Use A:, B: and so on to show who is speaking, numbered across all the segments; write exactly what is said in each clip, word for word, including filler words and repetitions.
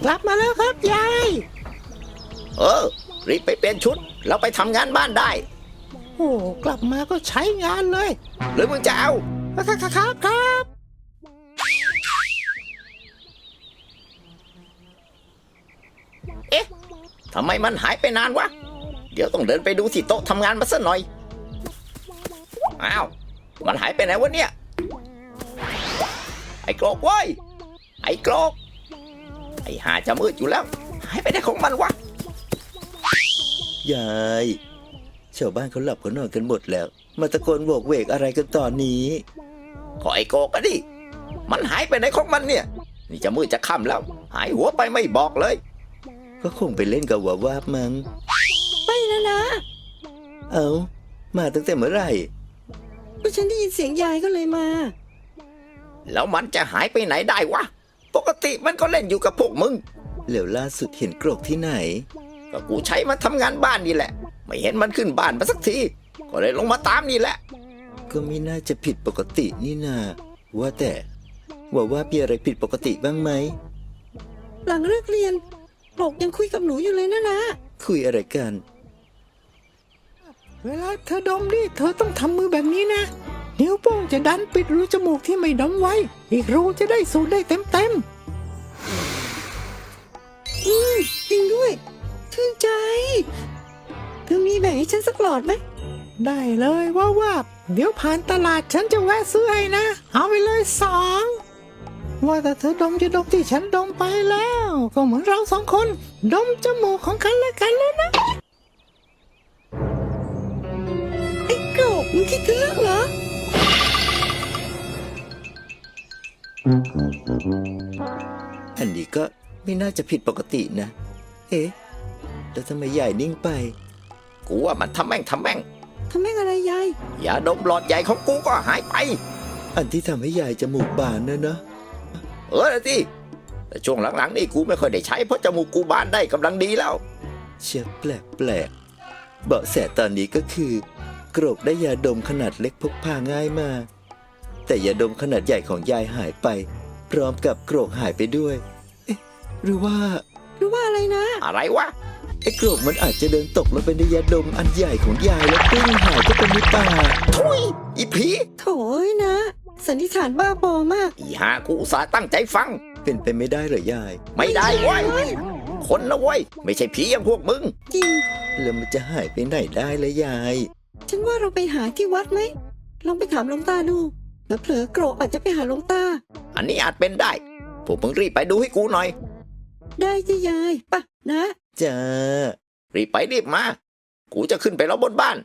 A: กลับมาแล้วครับยาย
B: เออรีบไปเปลี่ยนชุดแล้วไปทำงานบ้านได้
A: โอ้กลับมาก็ใช้งานเลย
B: หรือมึงจะเอา
A: ครับครับครับ
B: เอ๊ะทำไมมันหายไปนานวะเดี๋ยวต้องเดินไปดูที่โต๊ะทำงานมาสักหน่อยอ้าวมันหายไปไหนวะเนี่ยไอ้โกรกเว้ยไอ้โกรกไอ้หาจะมืดอยู่แล้วหายไปไหนของมันวะ
C: ยายชาวบ้านเขาหลับเขานอนกันหมดแล้วมาตะโกนโวกเวกอะไรกันตอนนี้
B: ขอไอ้โกรกอะดิมันหายไปไหนของมันเนี่ยนี่จะมืดจะค่ำแล้วหายหัวไปไม่บอกเลย
C: ก็คงไปเล่นกับหัววาบมั้ง
D: ไปแล้วนะ
C: เอามาตั้งแต่เมื่อไหร่
D: ก็ฉันได้ยินเสียงยายก็เลยมา
B: แล้วมันจะหายไปไหนได้วะปกติมันก็เล่นอยู่กับพวกมึง
C: แล้วล่าสุดเห็นโกรกที่ไหน
B: ก็กูใช้มันทำงานบ้านนี่แหละไม่เห็นมันขึ้นบ้านมาสักทีก็เลยลงมาตามนี่แหละ
C: ก็ไม่น่าจะผิดปกตินี่นาว่าแต่ว่าว่ามีอะไรผิดปกติบ้างไหม
D: หลังเลิกเรียนโกรกยังคุยกับหนูอยู่เลยนะนะ
C: คุยอะไรกัน
A: เวลาเธอดมดิเธอต้องทำมือแบบนี้นะนิ้วโป้งจะดันปิดรูจมูกที่ไม่ดมไว้อีกรูจะได้สูดได้เต็มเต็ม
D: อืมจริงด้วยชื่นใจเธอมีแบ่งให้ฉันสักหลอดไหม
A: ได้เลยว่าว่าเดี๋ยวผ่านตลาดฉันจะแวะซื้อให้นะเอาไปเลยสองว่าแต่เธอดมจะดมที่ฉันดมไปแล้วก็เหมือนเราสองคนดมจมูกของกันและกันแล้วนะ
D: ไอ้โกรกมึงคิดถึงเรื่องเหรอ
C: อันนี้ก็ไม่น่าจะผิดปกตินะเอ๊ะแล้วทำไมใหญ่นิ่งไป
B: กูว่ามันทำแม่งทำแม่ง
D: ทำแม่งอะไรยาย
B: อย่าดมหลอดใหญ่ของกูก็หายไป
C: อันที่ทำให้ใหญ่จมูกบานนะเนอะ
B: เออสิแต่ช่วงหลังๆนี่กูไม่ค่อยได้ใช้เพราะจมูกกูบานได้กำลังดีแล้ว
C: เชื่อแปลกแปลกเบาะแสตอนนี้ก็คือโกรกได้ยาดมขนาดเล็กพกพาง่ายมากแต่ยาดมขนาดใหญ่ของยายหายไปพร้อมกับโกรกหายไปด้วยเอ๊ะหรือว่า
D: หรือว่าอะไรนะ
B: อะไรวะ
C: ไอ้โกรกมันอาจจะเดินตกลงไปในยาดมอันใหญ่ของยายแล้วปิ้งหายก็เป็นในป่า
B: ทุยอีผี
D: โถ่นะสันนิษฐานบ้าบอมาก
B: อีหากูอุตส่าห์ตั้งใจฟัง
C: เป็นไปไม่ได้เหรอยาย
B: ไม่ได้เว้ยคนนะเว้ยไม่ใช่ผีอย่างพวกมึง
D: จริง
C: แล้วมันจะหายไปไหนได้ละยาย
D: ฉันว่าเราไปหาที่วัดไหมลองไปถามหลวงตาดูแล้วเผลอโกรกอาจจะไปหาหลวงตา
B: อันนี้อาจเป็นได้พวกมึงรีบไปดูให้กูหน่อย
D: ได้จ้ะยายป่ะนะ
C: จ้า
B: รีบไปรีบมากูจะขึ้นไปรอบนบ้าน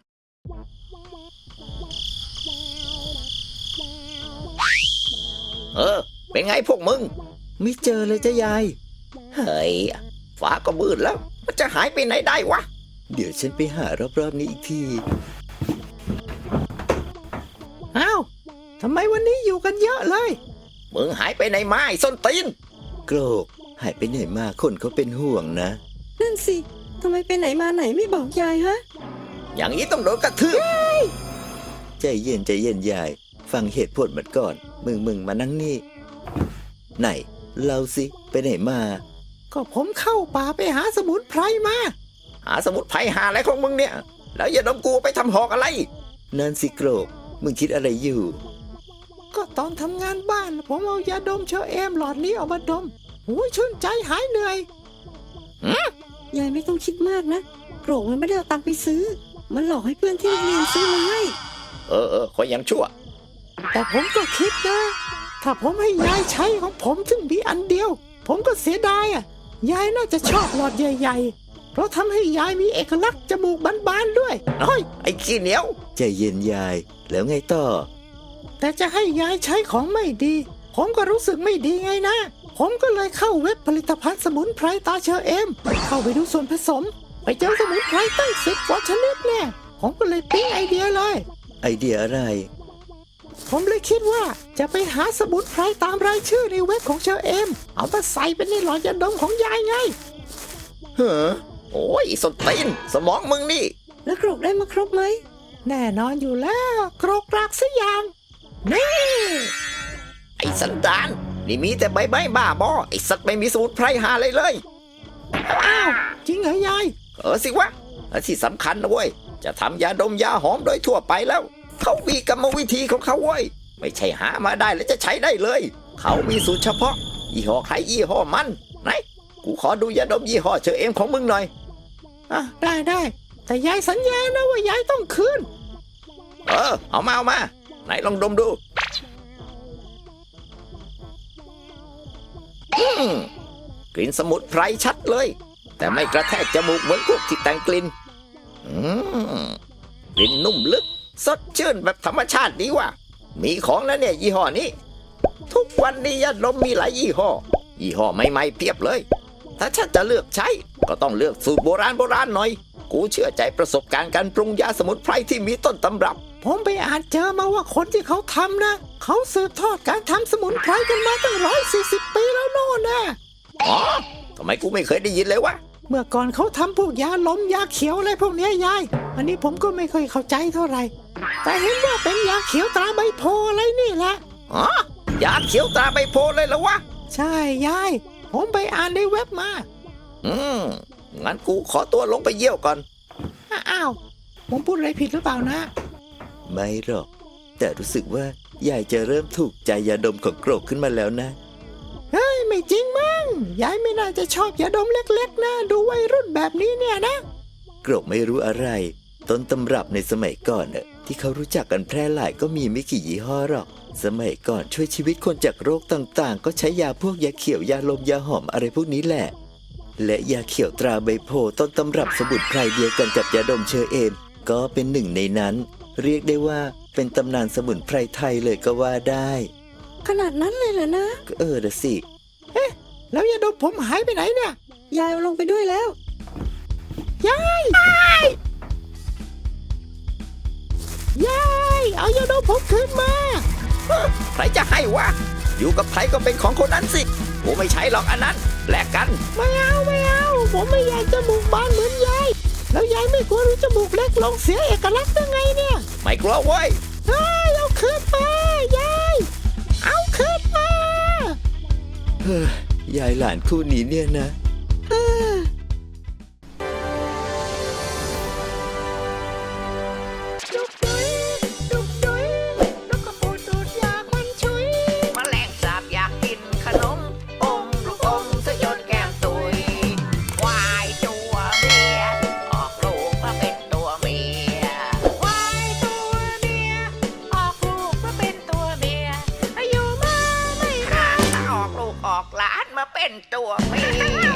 B: เออเป็นไงพวกมึง
C: ไม่เจอเลยจ้ายาย
B: เฮ้ยฟ้าก็มืดแล้วมันจะหายไปไหนได้วะ
C: เดี๋ยวฉันไปหารอบๆนี้อีกที
A: อ้าวทำไมวันนี้อยู่กันเยอะเลย
B: มึงหายไปไหนมาไอ้ส้นตีน
C: โกรกหายไปไหนมาคนเขาเป็นห่วงนะ
D: นั่นสิทำไมไปไหนมาไหนไม่บอกยายฮะ
B: อย่างนี้ต้องโดนกระทืบ
C: ใจเย็นใจเย็นยายฟังเหตุผลมันก่อนมึงมึงมานั่งนี่ไหนเล่าสิไปไหนมา
A: ก็ผมเข้าป่าไปหาสมุนไพรมา
B: หาสมุนไพรหาอะไรของมึงเนี่ยแล้วอย่าดมกูไปทำหอกอะไร
C: นั่นสิโกรกมึงคิดอะไรอยู่
A: ก็ตอนทำงานบ้านผมเอายาดมเชอเอมหลอดนี้ออกมาดมโอ้ยชื่นใจหายเหนื่อย
D: ยายไม่ต้องคิดมากนะโกรกมันไม่ได้เอาตังค์ไปซื้อมันหลอกให้เพื่อนที่โรงเรียนซื้อมาให้
B: เออเออคอยยังชั่ว
A: แต่ผมก็คิดนะถ้าผมให้ยายใช้ของผมซึ่งมีอันเดียวผมก็เสียดายอ่ะยายน่าจะชอบหลอดใหญ่ๆเพราะทำให้ยายมีเอกลักษณ์จมูกบานๆด้วย
B: เฮ้ยไอ้ขี้เหนียว
C: ใจเย็นยายแล้วไงต่อ
A: แต่จะให้ยายใช้ของไม่ดีผมก็รู้สึกไม่ดีไงนะผมก็เลยเข้าเว็บผลิตภัณฑ์สมุนไพรตาเชอเอมเข้าไปดูส่วนผสมไปเจอสมุนไพรตั้งสิบกว่าชนิดเนี่ยผมก็เลยปิ๊งไอเดียเลย
C: ไอเดียอะไร
A: ผมเลยคิดว่าจะไปหาสมุนไพรตามรายชื่อในเว็บของเชอเอมเอามาใส่เป็นในหลอดยาดมของยายไง
B: เฮ้อโอ้ยสตีนสมองมึงนี่
D: แล้วโกรกได้มาครบไหม
A: แน่นอนอยู่แล้วโกรกกรากสักอย่างนี่
B: ไอ้สันดานนี่มีแต่ใบไม้บ้าบอไอสัตว์ไม่มีสมุนไพรหาอะไรเลย
A: อ้าว จริงเหรอยาย
B: เออสิวะและที่สำคัญนะเว้ย จะทำยาดมยาหอมโดยทั่วไปแล้ว เขามีกรรมวิธีของเขาเว้ย ไม่ใช่หามาได้แล้วจะใช้ได้เลย เขามีสูตรเฉพาะ ยี่ห้อใครยี่ห้อมัน ไหน กูขอดูยาดมยี่ห้อเชอเอมของมึงหน่อย
A: อ่ะ ได้ได้แต่ยายสัญญานะว่ายายต้องคืน
B: เออ เอามาเอามา ไหนลองดมดูอืมกลิ่นสมุนไพรชัดเลย แต่ไม่กระแทกจมูกเหมือนพวกที่แต่งกลิ่นอืมกลิ่นนุ่มลึก สดชื่นแบบธรรมชาติดีว่ะ มีของแล้วเนี่ยยี่ห้อนี้ ทุกวันนี้ยาดมมีหลายยี่ห้อ ยี่ห้อใหม่ๆเพียบเลย ถ้าฉันจะเลือกใช้ ก็ต้องเลือกสูตรโบราณโบราณหน่อย กูเชื่อใจประสบการณ์การปรุงยาสมุนไพรที่มีต้นตำรับ
A: ผมไปอ่านเจอมาว่าคนที่เขาทำนะ เขาสืบทอดการทำสมุนไพรกันมาตั้งร้อยสี่สิบปีแล้วโน่นนะ
B: อ๋อ ทำไมกูไม่เคยได้ยินเลยวะ
A: เมื่อก่อนเขาทำพวกยาลมยาเขียวอะไรพวกเนี้ยยาย อันนี้ผมก็ไม่เคยเข้าใจเท่าไหร่ แต่เห็นว่าเป็นยาเขียวตราใบโพอะไรนี่แหละ
B: อ๋อ ยาเขียวตาใบโพเลยเหรอวะ
A: ใช่ยาย ผมไปอ่านในเว็บมา
B: อืม งั้นกูขอตัวลงไปเยี่ยวก่อน
A: อ้าว ผมพูดอะไรผิดหรือเปล่านะ
C: ไม่หรอก แต่รู้สึกว่ายายจะเริ่มถูกใจยาดมของโกรกขึ้นมาแล้วนะ
A: เฮ้ย ไม่จริงมั้งยายไม่น่าจะชอบยาดมเล็กๆนะ ดูวัยรุ่นแบบนี้เนี่ยนะ
C: โกรกไม่รู้อะไร ต้นตำรับในสมัยก่อนน่ะที่เขารู้จักกันแพร่หลายก็มีไม่กี่ยี่ห้อหรอก สมัยก่อนช่วยชีวิตคนจากโรคต่างๆ ก็ใช้ยาพวกยาเขียวยาลมยาหอมอะไรพวกนี้แหละ และยาเขียวตราใบโพต้นตำรับสมุนไพรเดียวกันกับยาดมเชอเอม ก็เป็นหนึ่งในนั้น เรียกได้ว่าเป็นตำนานสมุนไพรไทยเลยก็ว่าได้
D: ขนาดนั้นเลยเหรอนะ
C: ก็เออนะสิ
A: แล้วยาดมผมหายไปไหนเนี่ย
D: ยายเอาลงไปด้วยแล้ว
A: ยาย ยาย เอายาดมผมคืนมา
B: ใครจะให้วะ อยู่กับใครก็เป็นของคนนั้นสิ กูไม่ใช้หรอกอันนั้น แลกกัน
A: ไม่เอาไม่เอา ผมไม่อยากจมูกบานเหมือนยาย แล้วยายไม่กลัวรู้จมูกเล็กลงเสียเอกลักษณ์ยังไงเนี่ย
B: ไม่กลัวเว้ย
A: เฮ้ยเอาคืนมายาย เอาคืนมา
C: เฮ้ยยายหลานคู่นี้เนี่ยนะ
A: ดุกดุยดุกดุยลูกกระปูดูดยาควันชุย
B: แมลงสาบอยากกินขนม อมลูกอมซะจนแก้มตุย ควายตัวเมีย ออกลูกมาเป็นตัวเมีย
A: ควายตัวเมีย ออกลูกมาเป็นตัวเมียอายุมาไม่นาน
B: ออกลูกออกหลานมาเป็นตัวเมีย